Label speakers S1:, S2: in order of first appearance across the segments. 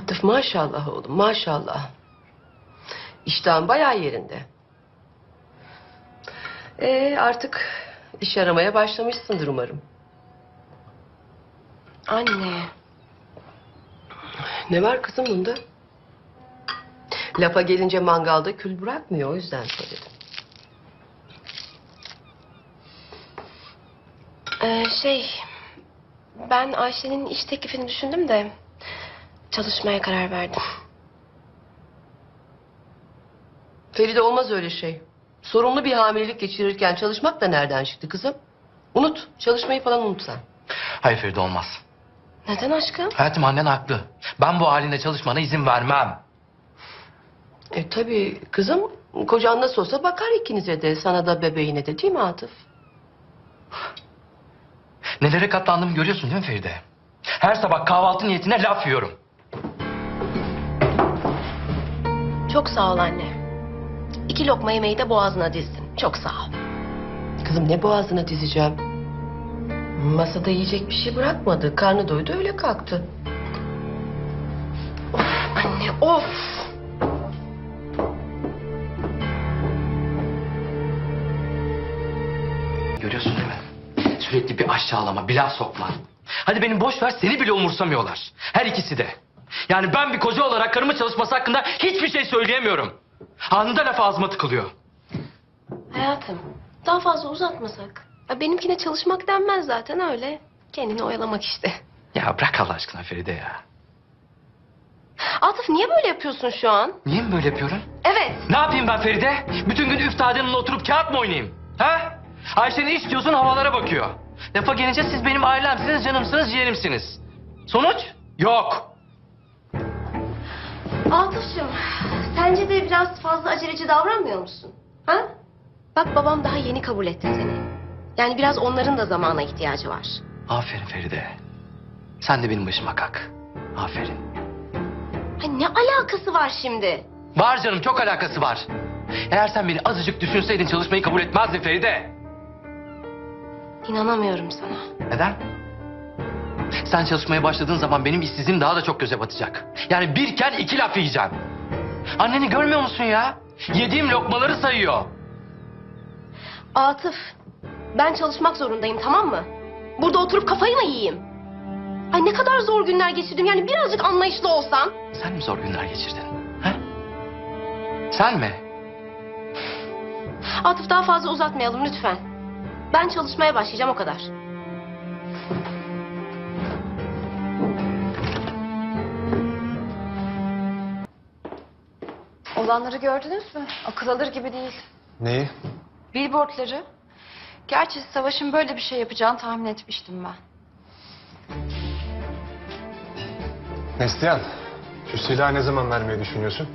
S1: Atıf maşallah oğlum maşallah. İştahın bayağı yerinde. Artık iş aramaya başlamışsındır umarım.
S2: Anne.
S1: Ne var kızım bunda? Lafa gelince mangalda kül bırakmıyor, o yüzden söyledim.
S2: Ben Ayşe'nin iş teklifini düşündüm de çalışmaya karar verdim.
S1: Feride olmaz öyle şey. Sorunlu bir hamilelik geçirirken çalışmak da nereden çıktı kızım? Unut, çalışmayı falan unut sen.
S3: Hayır Feride, olmaz.
S2: Neden aşkım?
S3: Hayatım, annen haklı. Ben bu halinde çalışmana izin vermem.
S1: Tabii kızım, kocan nasıl olsa bakar ikinize de, sana da bebeğine de, değil mi Atıf?
S3: Nelere katlandığımı görüyorsun değil mi Feride? Her sabah kahvaltı niyetine laf yiyorum.
S2: Çok sağ ol anne. 2 lokma yemeği de boğazına dizdin. Çok sağ ol.
S1: Kızım ne boğazına dizeceğim? Masada yiyecek bir şey bırakmadı. Karnı doydu öyle kalktı.
S2: Anne of!
S3: Görüyorsun değil mi? Sürekli bir aşağılama, bir laf sokma. Hadi beni boş ver, seni bile umursamıyorlar. Her ikisi de. Yani ben bir koca olarak karımın çalışması hakkında hiçbir şey söyleyemiyorum. Anında laf ağzıma tıkılıyor.
S2: Hayatım, daha fazla uzatmasak. Ya benimkine çalışmak denmez zaten, öyle. Kendini oyalamak işte.
S3: Ya bırak Allah aşkına Feride ya.
S2: Atıf, niye böyle yapıyorsun şu an?
S3: Niye mi böyle yapıyorum?
S2: Evet.
S3: Ne yapayım ben Feride? Bütün gün üstadeninle oturup kağıt mı oynayayım? Ha? Ayşe ne istiyorsun, havalara bakıyor. Lafa gelince siz benim ailemsiniz, canımsınız, yeğenimsiniz. Sonuç? Yok.
S2: Atıf'cığım, sence de biraz fazla aceleci davranmıyor musun? Ha? Bak, babam daha yeni kabul etti seni. Yani biraz onların da zamana ihtiyacı var.
S3: Aferin Feride. Sen de benim başıma kalk. Aferin.
S2: Ay, ne alakası var şimdi?
S3: Var canım, çok alakası var. Eğer sen beni azıcık düşünseydin çalışmayı kabul etmezdin Feride.
S2: İnanamıyorum sana.
S3: Neden? Sen çalışmaya başladığın zaman benim işsizliğim daha da çok göze batacak. Yani birken 2 laf yiyeceğim. Anneni görmüyor musun ya? Yediğim lokmaları sayıyor.
S2: Atıf, ben çalışmak zorundayım, tamam mı? Burada oturup kafayı mı yiyeyim? Ay, ne kadar zor günler geçirdim, yani birazcık anlayışlı olsan.
S3: Sen mi zor günler geçirdin? Ha? Sen mi?
S2: Atıf, daha fazla uzatmayalım lütfen. Ben çalışmaya başlayacağım, o kadar.
S4: Olanları gördünüz mü? Akıl alır gibi değil.
S5: Neyi?
S4: Billboardları. Gerçi Savaş'ın böyle bir şey yapacağını tahmin etmiştim ben.
S5: Neslihan, şu silahı ne zaman vermeyi düşünüyorsun?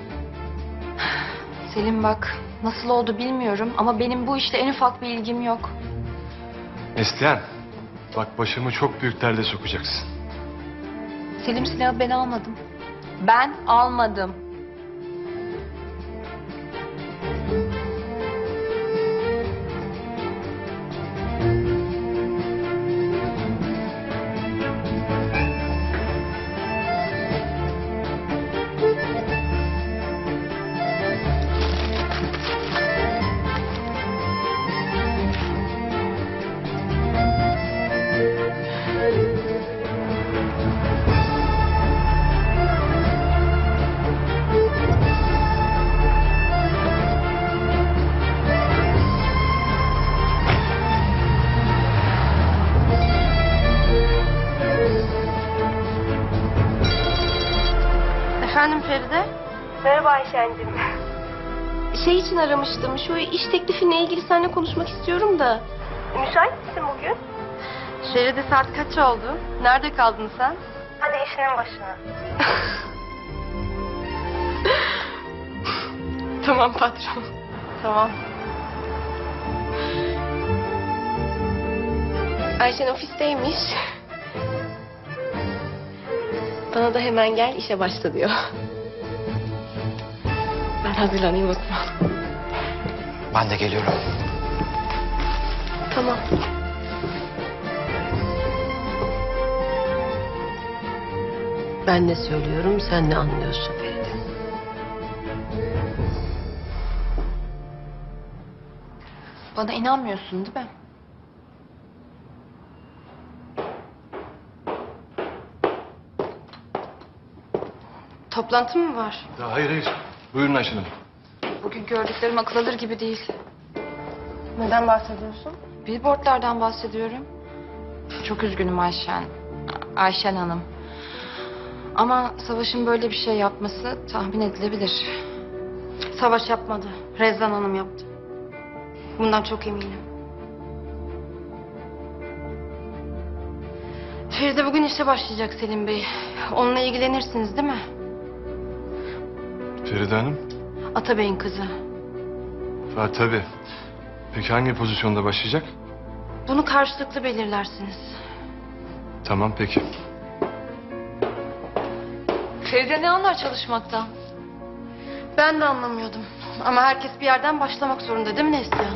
S4: Selim bak, nasıl oldu bilmiyorum ama benim bu işte en ufak bir ilgim yok.
S5: Neslihan, bak başımı çok büyük derde sokacaksın.
S4: Selim, silahı ben almadım. Ben almadım. Efendim Feride?
S2: Merhaba Ayşen'cim. Şey için aramıştım, şu iş teklifinle ilgili seninle konuşmak istiyorum da. Müsait misin bugün?
S4: Feride, saat kaç oldu? Nerede kaldın sen?
S2: Hadi işinin başına. Tamam patron.
S4: Tamam.
S2: Ayşen ofisteymiş. Bana da hemen gel işe başla diyor. Ben hazırlanayım o zaman.
S3: Ben de geliyorum.
S2: Tamam.
S1: Ben ne söylüyorum, sen ne anlıyorsun Feride?
S4: Bana inanmıyorsun değil mi? Toplantı mı var?
S5: Ya hayır hayır. Buyurun Ayşen Hanım.
S4: Bugün gördüklerim akıl alır gibi değil.
S2: Neden bahsediyorsun?
S4: Billboardlardan bahsediyorum. Çok üzgünüm Ayşen Hanım. Ama Savaş'ın böyle bir şey yapması tahmin edilebilir.
S2: Savaş yapmadı. Rezan Hanım yaptı. Bundan çok eminim. Feride bugün işe başlayacak Selim Bey. Onunla ilgilenirsiniz değil mi?
S5: Feride Hanım.
S2: Atabey'in kızı.
S5: Ha tabii. Peki hangi pozisyonda başlayacak?
S2: Bunu karşılıklı belirlersiniz.
S5: Tamam peki.
S4: Feride ne anlar çalışmaktan?
S2: Ben de anlamıyordum. Ama herkes bir yerden başlamak zorunda değil mi Neslihan?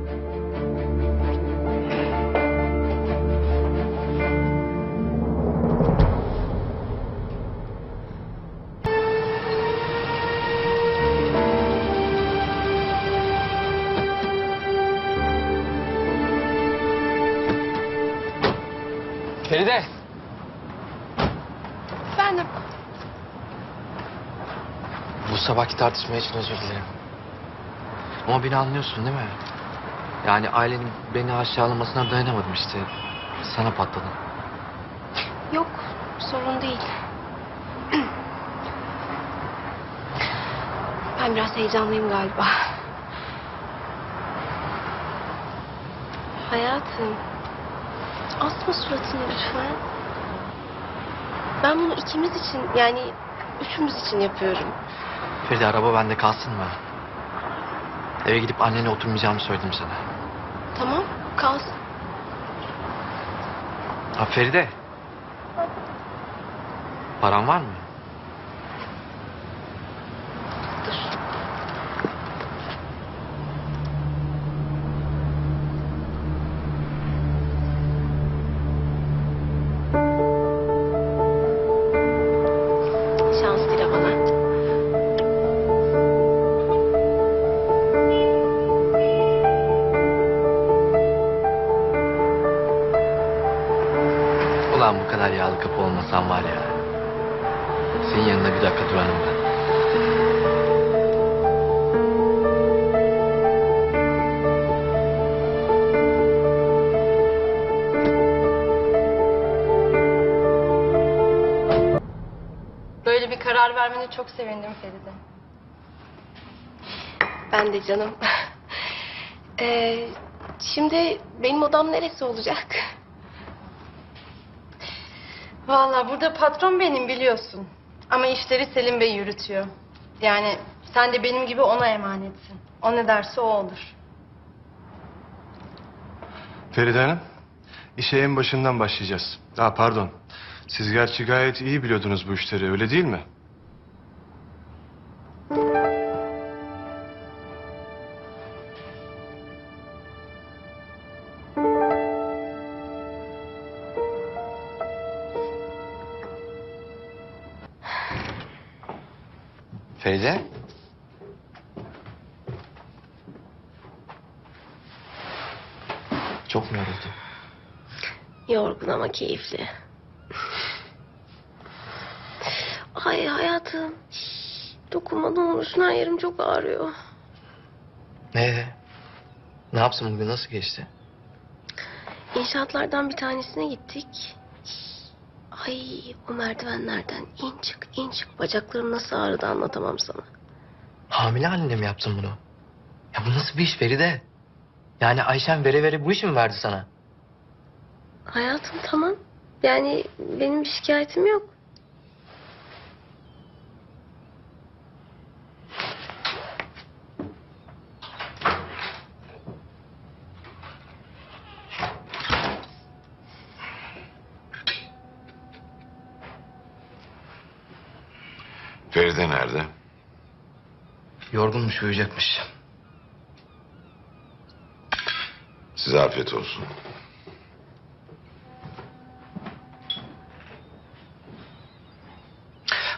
S3: Feride.
S2: Efendim?
S3: Bu sabahki tartışma için özür dilerim. Ama beni anlıyorsun değil mi? Yani ailenin beni aşağılamasına dayanamadım işte. Sana patladım.
S2: Yok, sorun değil. Ben biraz heyecanlıyım galiba. Hayatım, asma suratını lütfen. Ben bunu ikimiz için, yani üçümüz için yapıyorum.
S3: Feride araba bende kalsın mı? Eve gidip annene oturmayacağımı söyledim sana.
S2: Tamam, kalsın.
S3: Ha Feride. Paran var mı?
S2: Dur. Şans dile bana.
S3: Ulan bu kadar yağlı kapı olmasam var ya. Senin yanında bir dakika durarım ben.
S2: Böyle bir karar vermene çok sevindim Feride. Ben de canım. Şimdi benim odam neresi olacak? Vallahi burada patron benim biliyorsun. Ama işleri Selim Bey yürütüyor. Yani sen de benim gibi ona emanetsin. O ne derse o olur.
S5: Feride Hanım. İşe en başından başlayacağız. Pardon. Siz gerçi gayet iyi biliyordunuz bu işleri, öyle değil mi?
S3: Feride. Çok mu yoruldun?
S2: Yorgun ama keyifli. Ay hayatım. Dokunma ne olursun, her yerim çok ağrıyor.
S3: Ne yapsın bugün, nasıl geçti?
S2: İnşaatlardan bir tanesine gittik. Ay o merdivenlerden in çık bacaklarım nasıl ağrıdı anlatamam sana.
S3: Hamile halinde mi yaptın bunu? Ya bu nasıl bir iş Feride? Yani Ayşen vere vere bu işi mi verdi sana?
S2: Hayatım tamam. Yani benim bir şikayetim yok.
S6: Feride nerede?
S3: Yorgunmuş, uyuyacakmış.
S6: Size afiyet olsun.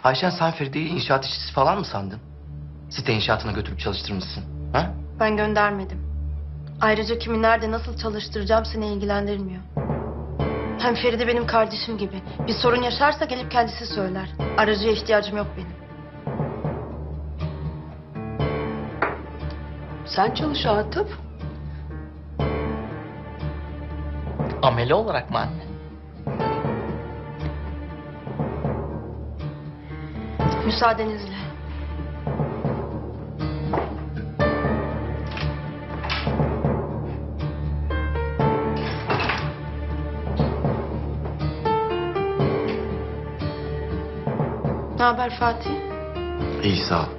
S3: Ayşen sen Feride'yi inşaat işçisi falan mı sandın? Site inşaatına götürüp çalıştırmışsın. Ha?
S4: Ben göndermedim. Ayrıca kimi nerede nasıl çalıştıracağım seni ilgilendirmiyor. Hem Feride benim kardeşim gibi. Bir sorun yaşarsa gelip kendisi söyler. Aracıya ihtiyacım yok benim.
S1: Sen çalış Atıf.
S3: Amele olarak mı anne?
S4: Müsaadenizle. Ne haber Fatih?
S3: İyi sağ ol.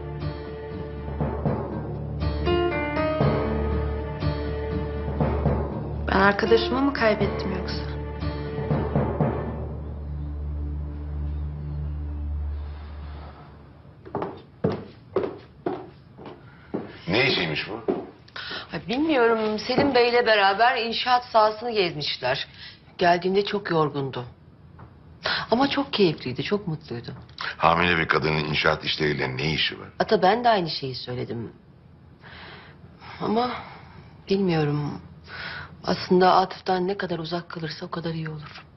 S4: Ben arkadaşımı mı kaybettim yoksa?
S6: Ne işiymiş bu?
S1: Ay, bilmiyorum, Selim Bey'le beraber inşaat sahasını gezmişler. Geldiğimde çok yorgundu. Ama çok keyifliydi, çok mutluydu.
S6: Hamile bir kadının inşaat işleriyle ne işi var?
S1: Ata ben de aynı şeyi söyledim. Ama bilmiyorum. Aslında Atıf'tan ne kadar uzak kalırsa o kadar iyi olur.